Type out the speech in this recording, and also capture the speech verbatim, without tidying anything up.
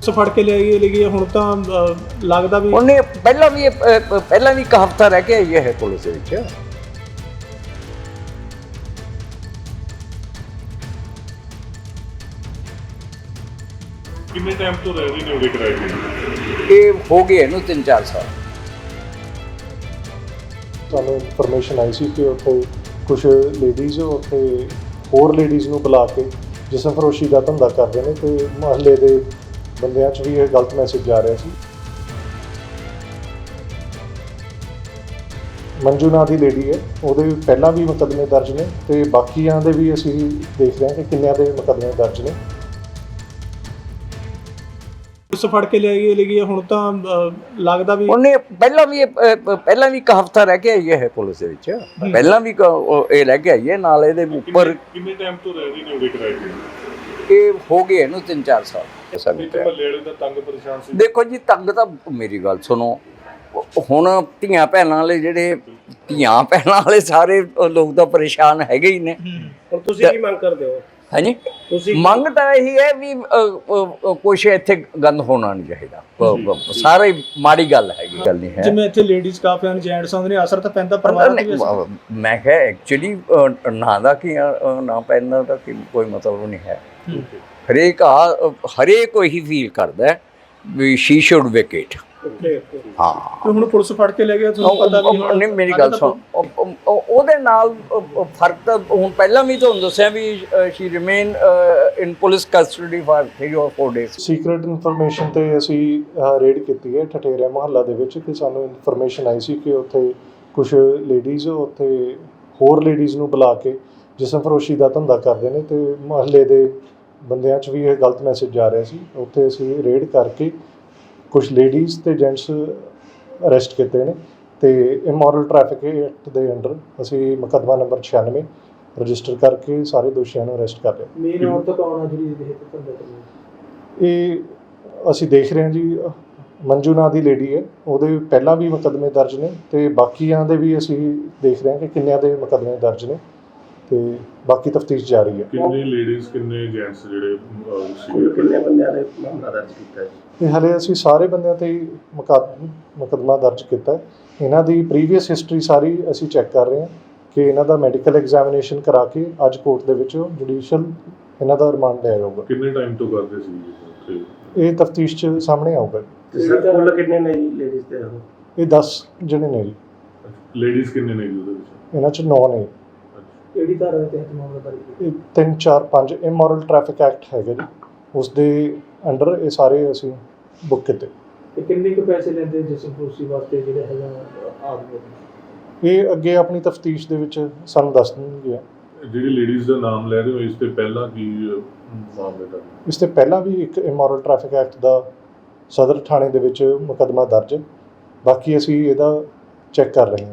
ਫੜ ਕੇ ਲੈ ਗਏ ਲੈ ਗਏ ਹੁਣ ਤਾਂ ਲੱਗਦਾ ਵੀ ਉਹਨੇ ਪਹਿਲਾਂ ਵੀ ਪਹਿਲਾਂ ਵੀ ਇੱਕ ਹਫ਼ਤਾ ਰਹਿ ਕੇ ਆਈ ਹੈ ਪੁਲਿਸ ਦੇ ਵਿੱਚ। ਕਿੰਨੇ ਟਾਈਮ ਤੋਂ ਰਹਿ ਰਹੇ ਨੇ ਉਹਦੇ ਕਿਰਾਏ ਤੇ? ਇਹ ਹੋ ਗਏ ਇਹਨੂੰ ਤਿੰਨ ਚਾਰ ਸਾਲ। ਸਾਨੂੰ ਇਨਫੋਰਮੇਸ਼ਨ ਆਈ ਸੀ ਕਿ ਉੱਥੇ ਕੁਝ ਲੇਡੀਜ਼ ਉੱਥੇ ਹੋਰ ਲੇਡੀਜ਼ ਨੂੰ ਬੁਲਾ ਕੇ ਜਿਸਮ ਫਰੋਸ਼ੀ ਦਾ ਧੰਦਾ ਕਰਦੇ ਨੇ ਤੇ ਮੁਹੱਲੇ ਦੇ ਬੰਦਿਆਂ 'ਚ ਵੀ ਇਹ ਗਲਤ ਮੈਸੇਜ ਜਾ ਰਿਹਾ ਸੀ। ਮੰਜੂ ਨਾਂ ਦੀ ਲੇਡੀ ਹੈ, ਉਹਦੇ ਪਹਿਲਾਂ ਵੀ ਮੁਕੱਦਮੇ ਦਰਜ ਨੇ ਤੇ ਬਾਕੀਆਂ ਦੇ ਵੀ ਅਸੀਂ ਦੇਖ ਰਹੇ ਹਾਂ ਕਿ ਕਿੰਨਿਆਂ ਦੇ ਮੁਕੱਦਮੇ ਦਰਜ ਨੇ। ਪੁਲਿਸ ਫੜ ਕੇ ਲੈ ਗਏ ਲੈ ਗਏ ਹੁਣ ਤਾਂ ਲੱਗਦਾ ਵੀ ਉਹਨੇ ਪਹਿਲਾਂ ਵੀ ਪਹਿਲਾਂ ਵੀ ਇੱਕ ਹਫ਼ਤਾ ਰਹਿ ਕੇ ਆਈ ਹੈ ਪੁਲਿਸ ਦੇ ਵਿੱਚ। ਪਹਿਲਾਂ ਵੀ ਇਹ ਰਹਿ ਕੇ ਆਈ ਹੈ ਨਾਲ ਇਹਦੇ ਉੱਪਰ। ਕਿੰਨੇ ਟਾਈਮ ਤੋਂ ਰਹਿ ਰਹੇ ਨੇ ਉਹਦੇ ਕਿਰਾਏ ਤੇ? ਇਹ ਹੋ ਗਏ ਇਹਨੂੰ ਤਿੰਨ ਚਾਰ ਸਾਲ। ਮਹੱਲੇ ਵਾਲੇ ਦਾ ਤੰਗ ਪਰੇਸ਼ਾਨ ਸੀ। ਦੇਖੋ ਜੀ, ਤੰਗ ਤਾਂ ਮੇਰੀ ਗੱਲ ਸੁਣੋ, ਹੁਣ ਧੀਆਂ ਭੈਣਾਂ ਵਾਲੇ ਜਿਹੜੇ ਧੀਆਂ ਭੈਣਾਂ ਵਾਲੇ ਸਾਰੇ ਲੋਕ ਤਾਂ ਪਰੇਸ਼ਾਨ ਹੈਗੇ ਹੀ ਨੇ। ਹੁਣ ਤੁਸੀਂ ਕੀ ਮੰਗ ਕਰਦੇ ਹੋ? ਹਾਂਜੀ, ਮੰਗ ਤਾਂ ਇਹੀ ਹੈ ਵੀ ਕੁਛ ਇੱਥੇ ਗੰਦ ਹੋਣਾ ਨਹੀਂ ਚਾਹੀਦਾ। ਸਾਰੇ ਮਾੜੀ ਗੱਲ ਹੈਗੀ, ਗੱਲ ਨਹੀਂ ਹੈ। ਜਿਵੇਂ ਇੱਥੇ ਲੇਡੀਜ਼ ਕਾਫੀ ਹਨ, ਜੈਂਟਸ ਆਉਂਦੇ ਨੇ, ਅਸਰ ਤਾਂ ਪੈਂਦਾ ਪਰਿਵਾਰ ਤੇ ਵੀ ਅਸਰ। ਮੈਂ ਕਿਹਾ ਐਕਚੁਅਲੀ ਨਾ ਦਾ ਕੀ ਨਾ ਪੈਂਦਾ ਦਾ ਕੀ ਕੋਈ ਮਤਲਬ ਨਹੀਂ ਹੈ। ਹਰੇਕ ਆ ਹਰੇਕ ਉਹੀ ਫੀਲ ਕਰਦਾ ਵੀ ਸ਼ੀ ਸ਼ੁਡ ਵੇਕੇਟ। ਹਾਂ, ਹੁਣ ਪੁਲਿਸ ਫੜ ਕੇ ਲੈ ਗਿਆ, ਤੁਹਾਨੂੰ ਪਤਾ ਵੀ ਨਹੀਂ। ਮੇਰੀ ਗੱਲ ਸੁਣ, ਉਹਦੇ ਨਾਲ ਫਰਕ ਤਾਂ ਹੁਣ ਪਹਿਲਾਂ ਵੀ ਤੁਹਾਨੂੰ ਦੱਸਿਆ ਵੀ she remain in police custody for three or four days. Secret information ਤੇ ਅਸੀਂ ਰੇਡ ਕੀਤੀ ਹੈ ਠਠੇਰਾ ਮੁਹੱਲਾ ਦੇ ਵਿੱਚ ਕਿ ਸਾਨੂੰ ਇਨਫੋਰਮੇਸ਼ਨ ਆਈ ਸੀ ਕਿ ਉੱਥੇ ਕੁਝ ਲੇਡੀਜ਼ ਉੱਥੇ ਹੋਰ ਲੇਡੀਜ਼ ਨੂੰ ਬੁਲਾ ਕੇ ਜਿਸਮ ਫਰੋਸ਼ੀ ਦਾ ਧੰਦਾ ਕਰਦੇ ਨੇ ਤੇ ਮੁਹੱਲੇ ਦੇ ਬੰਦਿਆਂ 'ਚ ਵੀ ਇਹ ਗਲਤ ਮੈਸੇਜ ਜਾ ਰਿਹਾ ਸੀ। ਉੱਥੇ ਅਸੀਂ ਰੇਡ ਕਰਕੇ ਕੁਝ ਲੇਡੀਜ਼ ਤੇ ਜੈਂਟਸ ਅਰੈਸਟ ਕੀਤੇ ਨੇ ਤੇ ਇਮੋਰਲ ਟ੍ਰੈਫਿਕ ਐਕਟ ਦੇ ਅੰਡਰ ਅਸੀਂ ਮੁਕੱਦਮਾ ਨੰਬਰ ਛਿਆਨਵੇਂ ਰਜਿਸਟਰ ਕਰਕੇ ਸਾਰੇ ਦੋਸ਼ੀਆਂ ਨੂੰ ਅਰੈਸਟ ਕਰ ਲਿਆ। ਮੇਨ ਔਰਤ ਕੌਣ ਆ ਜਿਹੜੀ ਇਹ ਧੰਦਾ ਕਰਦੀ? ਇਹ ਅਸੀਂ ਦੇਖ ਰਹੇ ਹਾਂ ਜੀ, ਮੰਜੂ ਨਾਂ ਦੀ ਲੇਡੀ ਹੈ, ਉਹਦੇ ਪਹਿਲਾਂ ਵੀ ਮੁਕੱਦਮੇ ਦਰਜ ਨੇ ਤੇ ਬਾਕੀਆਂ ਦੇ ਵੀ ਅਸੀਂ ਦੇਖ ਰਹੇ ਹਾਂ ਕਿ ਕਿੰਨਿਆਂ ਦੇ ਮੁਕੱਦਮੇ ਦਰਜ ਨੇ ਤੇ ਬਾਕੀ ਤਫਤੀਸ਼ ਜਾਰੀ ਹੈ। ਕਿੰਨੇ ਲੇਡੀਜ਼ ਕਿੰਨੇ ਜੈਂਟਸ ਜਿਹੜੇ ਕਿੰਨੇ ਬੰਦਿਆਂ ਨੇ ਮਾਮਲਾ ਦਰਜ ਕੀਤਾ ਹੈ? ਇਹ ਹਾਲੇ ਅਸੀਂ ਸਾਰੇ ਬੰਦਿਆਂ ਤੇ ਹੀ ਮੁਕੱਦਮਾ ਦਰਜ ਕੀਤਾ ਹੈ। ਇਹਨਾਂ ਦੀ ਪ੍ਰੀਵੀਅਸ ਹਿਸਟਰੀ ਸਾਰੀ ਅਸੀਂ ਚੈੱਕ ਕਰ ਰਹੇ ਹਾਂ ਕਿ ਇਹਨਾਂ ਦਾ ਮੈਡੀਕਲ ਐਗਜ਼ਾਮੀਨੇਸ਼ਨ ਕਰਾ ਕੇ ਅੱਜ ਕੋਰਟ ਦੇ ਵਿੱਚ ਜੁਡੀਸ਼ੀਅਲ ਇਹਨਾਂ ਦਾ ਰਿਮਾਂਡ ਲਿਆ ਜਾਊਗਾ। ਕਿੰਨੇ ਟਾਈਮ ਤੋਂ ਕਰਦੇ ਸੀ ਇਹ ਤਫਤੀਸ਼ 'ਚ ਸਾਹਮਣੇ ਆਊਗਾ। ਸਰ ਕੁੱਲ ਕਿੰਨੇ ਨੇ ਜੀ ਲੇਡੀਜ਼ ਤੇ? ਇਹ ਦਸ ਜਣੇ ਨੇ ਜੀ। ਲੇਡੀਜ਼ ਕਿੰਨੇ ਨੇ ਜੀ ਉਹਦੇ ਵਿੱਚ? ਇਹਨਾਂ 'ਚ ਨੌ ਨੇ। ਕਿਹੜੀ ਧਾਰਾ ਦੇ ਤਹਿਤ ਮਾਮਲਾ ਦਰਜ? ਇਹ ਤਿੰਨ ਚਾਰ ਪੰਜ ਇਮੋਰਲ ਟ੍ਰੈਫਿਕ ਐਕਟ ਹੈਗਾ ਜੀ, ਉਸ ਦੇ ਅੰਡਰ ਇਹ ਸਾਰੇ ਅਸੀਂ ਬੁੱਕ ਕੀਤੇ। ਤੇ ਕਿੰਨੇ ਕੁ ਪੈਸੇ ਲੈਂਦੇ ਜਿਸਮ ਫਰੋਸ਼ੀ ਵਾਸਤੇ ਜਿਹੜੇ ਹੈਗਾ ਆਦਮੀ? ਇਹ ਅੱਗੇ ਆਪਣੀ ਤਫਤੀਸ਼ ਦੇ ਵਿੱਚ ਸਾਨੂੰ ਦੱਸ ਦੇਣਗੇ। ਜਿਹੜੀ ਲੇਡੀਜ਼ ਦਾ ਨਾਮ ਲੈ ਰਹੇ ਹੋ, ਇਸ ਤੇ ਪਹਿਲਾਂ ਕੀ ਮਾਮਲੇ ਦਾ? ਇਸ ਤੋਂ ਪਹਿਲਾਂ ਵੀ ਇੱਕ ਇਮੋਰਲ ਟ੍ਰੈਫਿਕ ਐਕਟ ਦਾ ਸਦਰ ਥਾਣੇ ਦੇ ਵਿੱਚ ਮੁਕੱਦਮਾ ਦਰਜ, ਬਾਕੀ ਅਸੀਂ ਇਹਦਾ ਚੈੱਕ ਕਰ ਰਹੇ ਹਾਂ।